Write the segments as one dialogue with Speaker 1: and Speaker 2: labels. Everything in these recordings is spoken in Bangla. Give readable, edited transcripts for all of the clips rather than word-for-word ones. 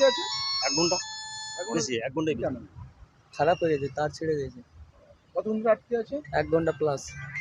Speaker 1: আছে?
Speaker 2: 1 ঘন্টা
Speaker 1: এখন
Speaker 2: বেশি, 1 ঘন্টাই বেশি।
Speaker 1: কেন?
Speaker 3: খারাপ হয়ে গেছে, তার ছিঁড়ে গেছে।
Speaker 1: কতক্ষণ ধরে আটকে আছে?
Speaker 3: 1 ঘন্টা প্লাস।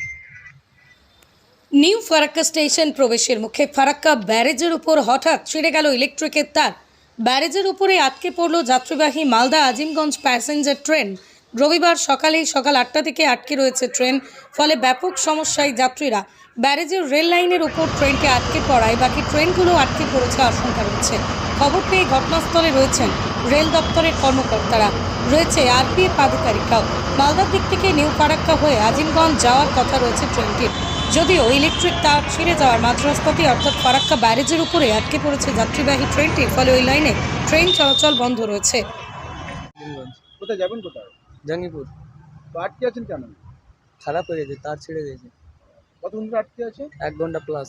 Speaker 4: নিউ ফারাক্কা স্টেশন প্রবেশের মুখে ফারাক্কা ব্যারেজের উপর হঠাৎ ছিঁড়ে গেল ইলেকট্রিকের তার। ব্যারেজের উপরে আটকে পড়ল যাত্রীবাহী মালদা আজিমগঞ্জ প্যাসেঞ্জার ট্রেন। রবিবার সকাল 8টা থেকে আটকে রয়েছে ট্রেন, ফলে ব্যাপক সমস্যায় যাত্রীরা। ব্যারেজের রেল লাইনের উপর ট্রেনটি আটকে পড়ায় বাকি ট্রেনগুলো আটকে পড়েছে আশঙ্কা রয়েছে। খবর পেয়ে ঘটনাস্থলে রয়েছেন রেল দপ্তরের কর্মকর্তারা, রয়েছে আরপিএফ আধিকারিকরাও। মালদার দিক থেকে নিউ ফারাক্কা হয়ে আজিমগঞ্জ যাওয়ার কথা রয়েছে ট্রেনটির। যদিও ইলেকট্রিক তার ছিঁড়ে যাওয়ার মাঝরাস্তাতেই অর্থাৎ ফারাক্কা ব্যারেজের উপরে আটকে পড়েছে যাত্রীবাহী ট্রেনটি, ফলে ওই লাইনে ট্রেন চলাচল বন্ধ রয়েছে।
Speaker 3: আজিমগঞ্জ।
Speaker 1: কোথায় যাবেন কোথায়?
Speaker 3: জঙ্গিপুর।
Speaker 1: তো আটকে আছেন কেন?
Speaker 3: খারাপ হয়ে গেছে, তার ছিঁড়ে গেছে।
Speaker 1: কতক্ষণ ধরে আটকে আছে?
Speaker 3: 1 ঘন্টা প্লাস।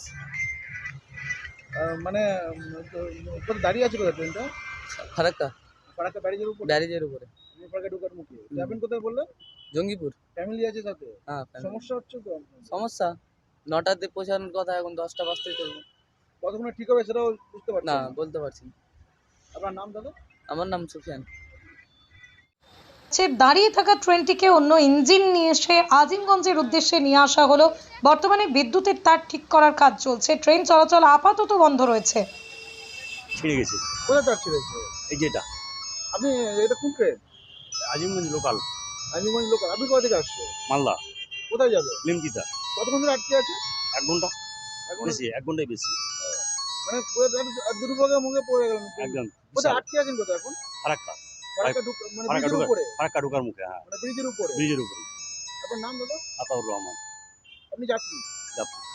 Speaker 1: মানে কোথায় দাঁড়িয়ে আছে কোথায় ট্রেনটা?
Speaker 3: ফারাক্কা
Speaker 1: ফারাক্কা ব্যারেজের উপর?
Speaker 3: ব্যারেজের উপরে।
Speaker 1: ফারাক্কা ঢোকার মুখে যাবেন কোথায় বললেন?
Speaker 3: জঙ্গিপুর।
Speaker 1: ফ্যামিলি আছে সাথে?
Speaker 3: হ্যাঁ, family।
Speaker 1: সমস্যা হচ্ছে তো?
Speaker 3: সমস্যা 9টাতে পৌঁছানোর কথা, এখন 10টা বাজতেই চলবে।
Speaker 1: কতক্ষণে ঠিক হবে সেটাও বুঝতে পারছেন
Speaker 3: না,
Speaker 1: না?
Speaker 3: বলতে পারছি না।
Speaker 1: আপনার নাম দাদা?
Speaker 3: আমার নাম সুফিয়ান।
Speaker 4: দাঁড়িয়ে থাকা ট্রেনটিকে অন্য ইঞ্জিন নিয়ে এসে আজিমগঞ্জের উদ্দেশ্যে নিয়ে আসা হলো। বর্তমানে বিদ্যুতের তার ঠিক করার কাজ চলছে। ট্রেন চলাচল আপাতত বন্ধ রয়েছে।
Speaker 2: ছিঁড়ে গেছে
Speaker 1: কোথায় চাচ্ছি রয়েছে?
Speaker 2: এই যে এটা
Speaker 1: আপনি এটা কোন train?
Speaker 2: Azimganj local,
Speaker 1: Azimganj local. আপনি কোথা থেকে আসছে?
Speaker 2: মালদা
Speaker 1: কোথায় যাবে?
Speaker 2: লিমকিতা।
Speaker 1: কতক্ষণ ধরে আটকে আছে?
Speaker 2: 1 ঘন্টা
Speaker 1: এখন
Speaker 2: বেশি, 1 ঘন্টাই বেশি।
Speaker 1: মানে পুরো দুর্ভোগের মুখে পড়ে গেলেন।
Speaker 2: একদম
Speaker 1: কোথায় আটকে আছেন কোথায় এখন?
Speaker 2: ফারাক্কা,
Speaker 1: ফারাক্কা মানে
Speaker 2: ফারাক্কা
Speaker 1: ব্রিজের
Speaker 2: ঢোকার
Speaker 1: উপরে?
Speaker 2: ফারাক্কা ঢোকার মুখে। হ্যাঁ,
Speaker 1: মানে ব্রিজের উপরে?
Speaker 2: ব্রিজের উপরে।
Speaker 1: আপনার নাম দাদা?
Speaker 2: আতাউর রহমান।
Speaker 1: আপনি যাত্রী?
Speaker 2: যাত্রী।